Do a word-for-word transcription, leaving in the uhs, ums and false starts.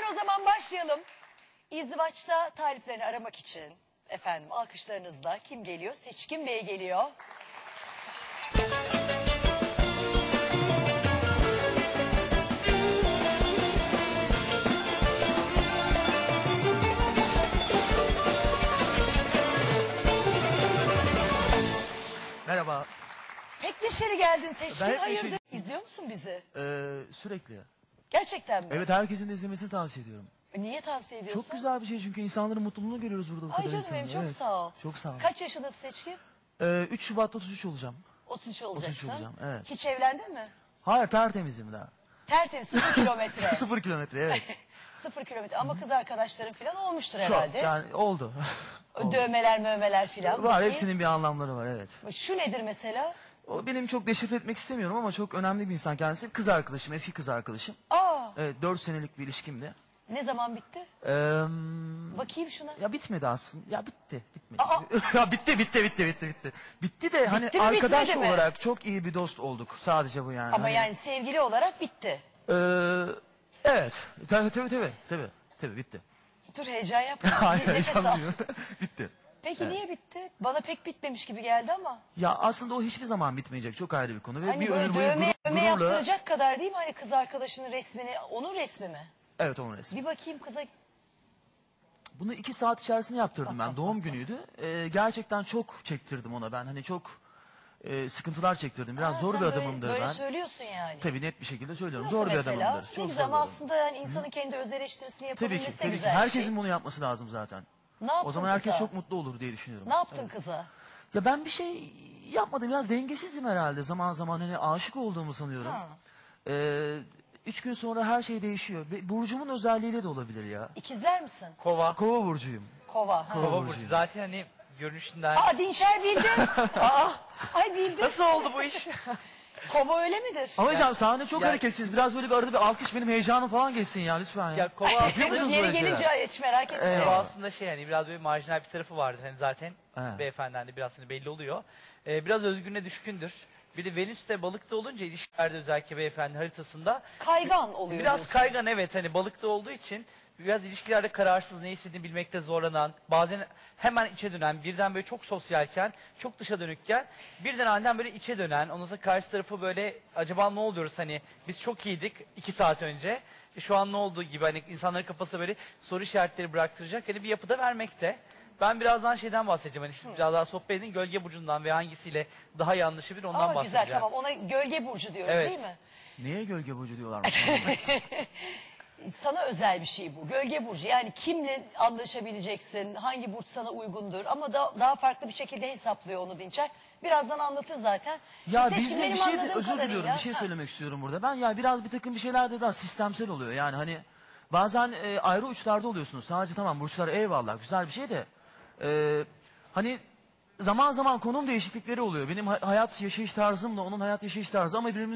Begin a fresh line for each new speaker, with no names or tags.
o zaman başlayalım. İzdivaçta taliplerini aramak için efendim alkışlarınızla kim geliyor? Seçkin Bey geliyor.
Merhaba.
Pek neşeli geldin Seçkin.
Ben hep
Hayırdır?
neşeli-
İzliyor musun bizi?
Ee, sürekli.
Gerçekten mi?
Evet, herkesin de izlemesini tavsiye ediyorum.
Niye tavsiye ediyorsun?
Çok güzel bir şey çünkü insanların mutluluğunu görüyoruz burada bu
Ay
kadar
canım
insanın.
benim çok
Evet.
sağ ol.
Çok sağ ol.
Kaç yaşındasın Seçkin?
Ee, üç Şubat'ta otuz üç olacağım.
otuz üç olacaksın.
olacağım, evet.
Hiç evlendin mi?
Hayır, tertemizim daha.
Tertemiz sıfır kilometre.
Sıfır kilometre, evet.
Sıfır kilometre ama kız arkadaşların falan olmuştur
Çok,
herhalde.
yani oldu. Oldu.
Dövmeler mövmeler falan.
Var,
Bakayım.
hepsinin bir anlamları var, evet.
Şu nedir mesela?
O benim çok deşifre etmek istemiyorum ama çok önemli bir insan kendisi. Kız arkadaşım, eski kız arkadaşım.
Aa,
Evet, dört senelik bir ilişkimdi.
ne zaman bitti?
Ee,
Bakayım şuna.
ya bitmedi aslında. Ya bitti, bitmedi.
Aa!
ya bitti, bitti, bitti, bitti, bitti. Bitti de hani
Bitti mi,
arkadaş
bitmedi mi?
olarak çok iyi bir dost olduk. Sadece bu yani.
Ama
Hani-
yani sevgili olarak bitti.
Ee, evet. Tabii tabii tabii. Tabii, tabii bitti.
Dur heyecan yapma.
Hayır,
Bir nefes al.
heyecanlıyım. Bitti.
Peki niye bitti? Bana pek bitmemiş gibi geldi ama.
Ya aslında o hiçbir zaman bitmeyecek. Çok ayrı bir konu. Ve
Hani
bir
böyle
ömür boyu
dövme,
gurur-
dövme
gururla...
yaptıracak kadar değil mi hani kız arkadaşının resmini? Onun resmi mi?
Evet, onun resmi.
Bir bakayım kıza.
Bunu iki saat içerisinde yaptırdım ben. Doğum günüydü. Ee, gerçekten çok çektirdim ona ben. Hani çok e, sıkıntılar çektirdim. Biraz
Ha,
zor
sen
bir
böyle-
adamımdır
böyle
ben.
söylüyorsun yani.
Tabii net bir şekilde söylüyorum.
Nasıl
zor bir
mesela?
adamımdır.
Ne
Çok
güzel
zor bir
ama
adamım.
aslında yani insanın kendi öz eleştirisini
Tabii
yapabilmesi
ki,
de
tabii ki.
güzel bir
Herkesin
şey.
bunu yapması lazım zaten.
Ne yaptın
O zaman herkes
kıza?
çok mutlu olur diye düşünüyorum.
Ne yaptın kıza?
Ya ben bir şey yapmadım. Biraz dengesizim herhalde. Zaman zaman hani aşık olduğumu sanıyorum.
Ha.
Ee, üç gün sonra her şey değişiyor. Be- Burcumun özelliğiyle de olabilir ya.
İkizler misin?
Kova.
Kova burcuyum.
Kova. Ha.
Kova.
Kova
burcu.
burcu. Zaten hani görünüşünden.
Aa Dinçer bildi. Aa, ay bildi.
Nasıl oldu bu iş?
Kova öyle midir?
Ama hocam sahne çok
Ya-
hareketsiz. Biraz böyle bir arada bir alkış benim heyecanım falan geçsin ya lütfen ya.
Ya kova
Yapıyor
aslında,
musunuz
Yeri
böyle şeyler?
gelince hiç merak etme.
Evet.
kova aslında şey hani biraz böyle marjinal bir tarafı vardır. Hani zaten
Evet.
beyefendiden de biraz hani belli oluyor. Ee, biraz özgürlüğüne düşkündür. Bir de Venüs de balıkta olunca ilişkilerde özellikle beyefendi haritasında
Kaygan oluyor
biraz
diyorsun.
kaygan, evet, hani balıkta olduğu için biraz ilişkilerde kararsız, ne istediğini bilmekte zorlanan, bazen hemen içe dönen, birden böyle çok sosyalken, çok dışa dönükken, birden aniden böyle içe dönen, ondan sonra karşı tarafı böyle acaba ne oluyoruz, hani biz çok iyiydik iki saat önce, e, şu an ne olduğu gibi hani insanların kafası böyle soru işaretleri bıraktıracak hani bir yapıda vermekte. Ben birazdan şeyden bahsedeceğim, hani siz biraz daha sohbet edin, gölge burcundan ve hangisiyle daha iyi anlaşabilir ondan
Aa,
bahsedeceğim.
güzel tamam ona gölge burcu diyoruz
Evet.
değil mi?
Niye gölge burcu diyorlar?
Sana özel bir şey bu. Gölge burcu yani kimle anlaşabileceksin, hangi burç sana uygundur ama da, daha farklı bir şekilde hesaplıyor onu Dinçer. Birazdan anlatır zaten.
Ya
Şimdi Seçkin,
bizim
benim
bir şey de,
anladığım
özür diliyorum
kadarıyla-
bir şey
Ha.
söylemek istiyorum burada. Ben ya biraz bir takım bir şeyler de biraz sistemsel oluyor. Yani hani bazen e, ayrı uçlarda oluyorsunuz. Sadece tamam burçlar eyvallah güzel bir şey de. e, hani zaman zaman konum değişiklikleri oluyor. Benim ha- hayat yaşayış tarzımla onun hayat yaşayış tarzı ama birbirimiz